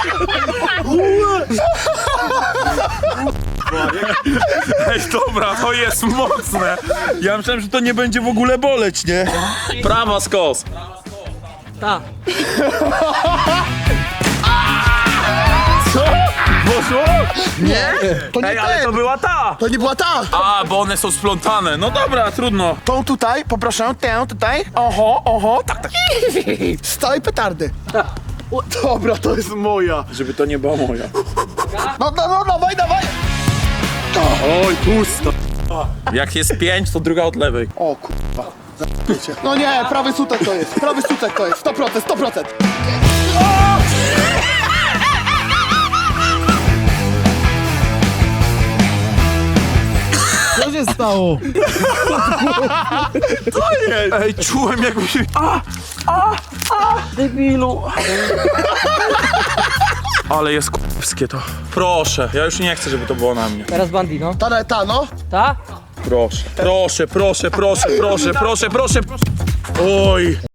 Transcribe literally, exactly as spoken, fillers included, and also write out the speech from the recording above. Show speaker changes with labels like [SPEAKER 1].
[SPEAKER 1] Ej, dobra, to jest mocne. Ja myślałem, że to nie będzie w ogóle boleć, nie? Prawa skos.
[SPEAKER 2] Ta.
[SPEAKER 1] Co? Poszło?
[SPEAKER 3] Nie, to nie
[SPEAKER 1] Ej, ale
[SPEAKER 3] ten.
[SPEAKER 1] to była ta.
[SPEAKER 3] To nie była ta.
[SPEAKER 1] A, bo one są splątane. No dobra, trudno.
[SPEAKER 3] Tą tutaj, poproszę, tę tutaj. Oho, oho, tak, tak. Z całej petardy. Dobra, to jest moja.
[SPEAKER 1] Żeby to nie była moja.
[SPEAKER 3] No, no, no, dawaj, dawaj.
[SPEAKER 1] Oj, pusto. Jak jest pięć, to druga od lewej.
[SPEAKER 3] O kurwa. Za***cie. No nie, prawy sutek to jest. Prawy sutek to jest. sto procent, sto procent.
[SPEAKER 2] Co się stało?
[SPEAKER 1] Ej, czułem jakby się... A, a, a, debilu. Ale jest k***skie to. Proszę, ja już nie chcę, żeby to było na mnie.
[SPEAKER 2] Teraz Bandino.
[SPEAKER 3] Ta, ta, no.
[SPEAKER 2] Ta?
[SPEAKER 1] Proszę, proszę, proszę, proszę, proszę, proszę, proszę. Oj.